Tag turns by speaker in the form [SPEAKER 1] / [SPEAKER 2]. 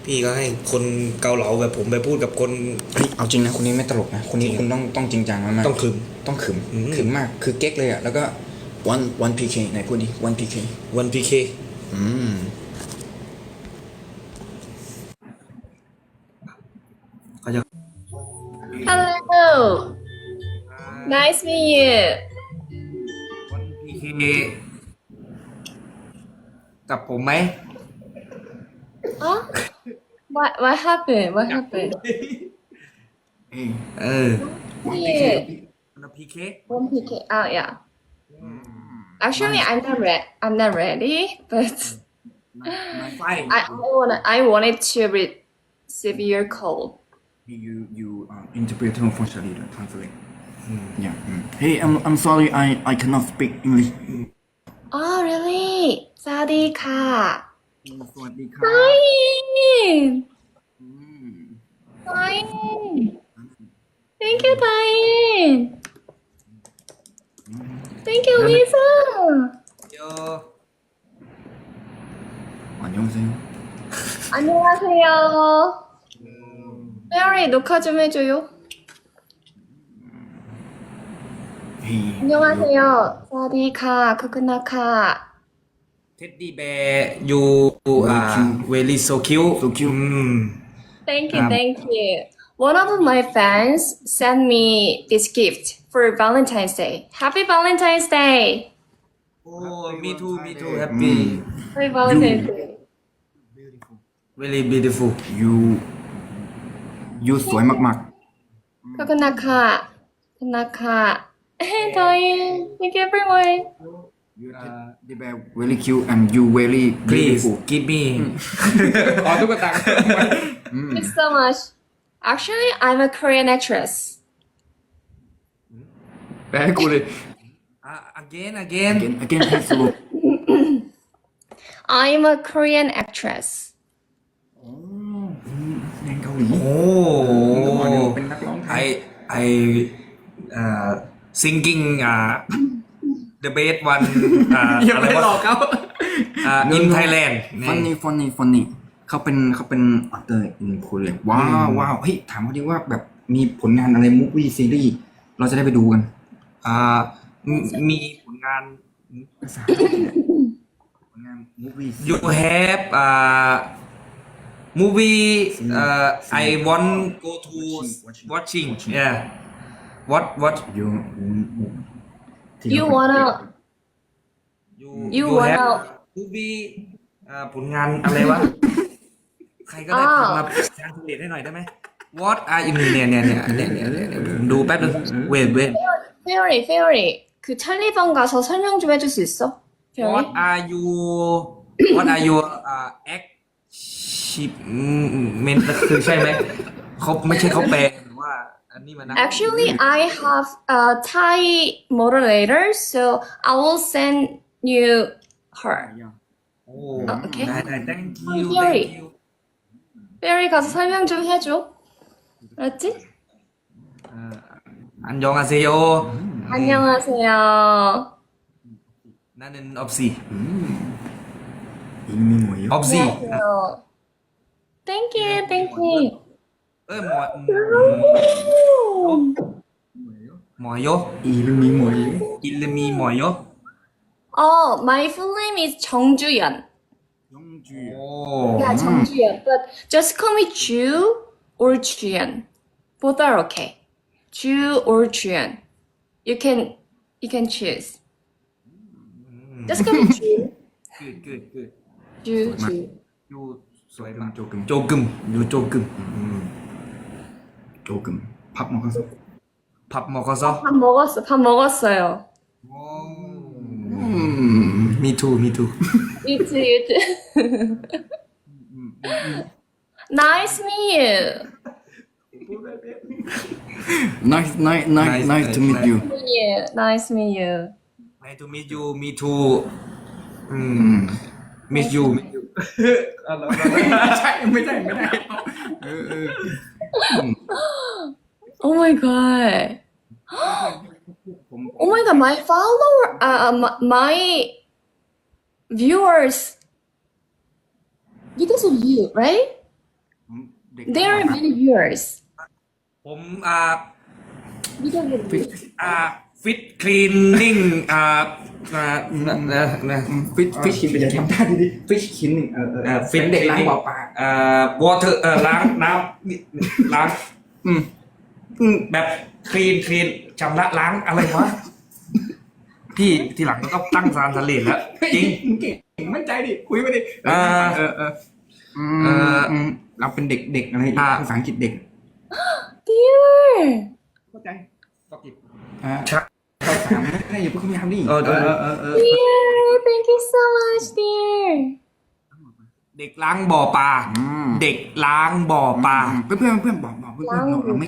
[SPEAKER 1] พี่ก็ให้คนเกาเหลาแบบผมไปพูดกับคน
[SPEAKER 2] เฮ้ยเอาจริงนะคนนี้ไม่ตลกนะคนนี้คุณต้องจริงจังมากๆ
[SPEAKER 1] ต้องขึม
[SPEAKER 2] ต้องขึม
[SPEAKER 1] อืม
[SPEAKER 2] ขึมมากคือเก๊กเลยอ่ะแล้วก็one PK ไหนพูดดิone PK
[SPEAKER 1] วันพีเค
[SPEAKER 2] อืม
[SPEAKER 1] เขาจะ
[SPEAKER 3] Hello. Nice meet you.
[SPEAKER 1] วันพีเคกับผมไหม
[SPEAKER 3] Huh? What happened? What happened?
[SPEAKER 2] เอ้ย
[SPEAKER 1] เออ
[SPEAKER 3] Yeah.
[SPEAKER 1] วันพีเค
[SPEAKER 3] One PK. Oh yeah. Actually, I'm not ready, but
[SPEAKER 1] ไฟ
[SPEAKER 3] I wanted to receive your call.
[SPEAKER 2] you interpreter for Charlie translate yeah hey I'm sorry I cannot speak English
[SPEAKER 3] Oh really? สวัสดีค่ะ
[SPEAKER 2] สวัสดีครับ
[SPEAKER 3] Fine. Fine. Thank you, Fine. Thank you, Lisa.
[SPEAKER 1] โย
[SPEAKER 2] 안녕하세요
[SPEAKER 3] 안녕하세요. 페어리 녹화 좀 해줘요.
[SPEAKER 2] hey
[SPEAKER 3] 안녕하세요. 사디카, 코코나카.
[SPEAKER 1] เท็ดดี้แบร์ยูเวลี่โซคิว
[SPEAKER 2] So cute.
[SPEAKER 3] Thank you, thank you. One of my fans sent me this gift for Valentine's Day. Happy Valentine's Day.
[SPEAKER 1] โอ้มีทูแฮปปี้
[SPEAKER 3] Happy Valentine's Day.
[SPEAKER 1] very beautiful
[SPEAKER 2] you สวยมาก
[SPEAKER 3] 코코나카, 코코나카. Doi, thank you everyone.
[SPEAKER 2] you the bear very cute and you very
[SPEAKER 1] please
[SPEAKER 2] beautiful
[SPEAKER 1] give me
[SPEAKER 2] ขอตุ๊กตา
[SPEAKER 3] Thank you so much. Actually, I'm a Korean actress.
[SPEAKER 2] แปลให้กูเลย
[SPEAKER 1] again
[SPEAKER 2] again please slow
[SPEAKER 3] I'm a Korean actress.
[SPEAKER 2] แดงเกาหลี
[SPEAKER 1] โอ้
[SPEAKER 2] เป็นนักร้องไทย
[SPEAKER 1] I singing the best one
[SPEAKER 2] อย่า
[SPEAKER 1] อะไร
[SPEAKER 2] ไปหลอก
[SPEAKER 1] วะ
[SPEAKER 2] เขา
[SPEAKER 1] in Thailand
[SPEAKER 2] funny เขาเป็นเตอร์อินโคเรียว้าวเฮ้ยถามเขาดิว่าแบบมีผลงานอะไรมูฟวี่ซีรีส์เราจะได้ไปดูกัน
[SPEAKER 1] มีผลงาน
[SPEAKER 2] ภาษาผลงานมูฟวี่
[SPEAKER 1] you have movie I want go to watching yeah what
[SPEAKER 2] you
[SPEAKER 3] You wanna You wanna-
[SPEAKER 1] have movie ผลงานอะไรวะ ใครก็ได้พิมพ์มาทรานสเลทให้หน่อยได้ไหม What are you เนี่ยผมดูแป๊บนึง wait
[SPEAKER 3] Fairy. 그 찰리방 가서 설명 좀 해줄 수 있어?
[SPEAKER 1] What
[SPEAKER 3] Fairy?
[SPEAKER 1] are you What are your achievement คือใช่ไหมเขาไม่ใช่เขาแปลหรือว่าอันนี้มันนะ
[SPEAKER 3] Actually, I have a Thai moderator, so I will send you her.
[SPEAKER 1] โอ้
[SPEAKER 3] okay.
[SPEAKER 1] ได้ thank you
[SPEAKER 3] Fairy.
[SPEAKER 1] thank you
[SPEAKER 3] Fairy 가서 설명 좀 해줘. 알았지?
[SPEAKER 1] อันยองอาเซโย
[SPEAKER 3] 안녕하세요.
[SPEAKER 1] 나는 없이
[SPEAKER 2] อิงมีหมวย
[SPEAKER 1] 없이
[SPEAKER 3] 안녕하세요. Thank you.
[SPEAKER 1] เอ้ยหมอยโย
[SPEAKER 2] อีลูมีหมวย
[SPEAKER 1] 이름이 뭐요?
[SPEAKER 3] My full name is 정주연.
[SPEAKER 2] ยองจู
[SPEAKER 1] 오
[SPEAKER 3] Yeah, 정주연. But just call me Ju or Juyeon. Both are okay. Ju or Juyeon. You can choose. Just call me Ju.
[SPEAKER 1] good
[SPEAKER 3] Ju.
[SPEAKER 1] อยู่สวยมาก
[SPEAKER 2] โจกึม
[SPEAKER 1] 조금อยู่조금
[SPEAKER 2] โจกึมพับมาเขาสัก
[SPEAKER 1] 밥 먹어서
[SPEAKER 3] 밥 먹었어요.
[SPEAKER 1] me too
[SPEAKER 3] You too. Nice meet you.
[SPEAKER 2] nice to meet you
[SPEAKER 3] Nice meet you.
[SPEAKER 1] nice to meet you me too miss you
[SPEAKER 2] ใช่ไม่ได้
[SPEAKER 3] Oh my god. Oh my god, my follower, my viewers, because of you, right?
[SPEAKER 2] ผมเด็ก
[SPEAKER 3] There are many years.
[SPEAKER 1] ผม
[SPEAKER 3] Middle
[SPEAKER 1] ฟิตคลีนนิ่ง
[SPEAKER 2] ฟิชคินไปอย่าทำท่าดีๆฟิชคิน
[SPEAKER 1] ฟิต
[SPEAKER 2] เป็นเด็กล้างบ่อปลาว
[SPEAKER 1] อเตอร์ล้างน้ำล้าง
[SPEAKER 2] อืม
[SPEAKER 1] แบบคลีนชำระล้างอะไรวะ พี่ทีหลังก็ตั้งซานสเลดแล้ว จริง
[SPEAKER 2] เก่งมั่นใจดิคุยไปดิเราเป็นเด็กอะไรภาษาอังกฤษเด็ก
[SPEAKER 3] Dear.
[SPEAKER 2] เข้าใจ
[SPEAKER 1] ก็กิบ
[SPEAKER 2] ชักเข้าสามไม่อย่าเพิ่งพยายามดิ
[SPEAKER 3] Dear, thank you so much, dear.
[SPEAKER 1] เด็กล้างบ่อปลา เด็กล้างบ่อปลา
[SPEAKER 2] เพื่อนบอกเพื่อนเราไม่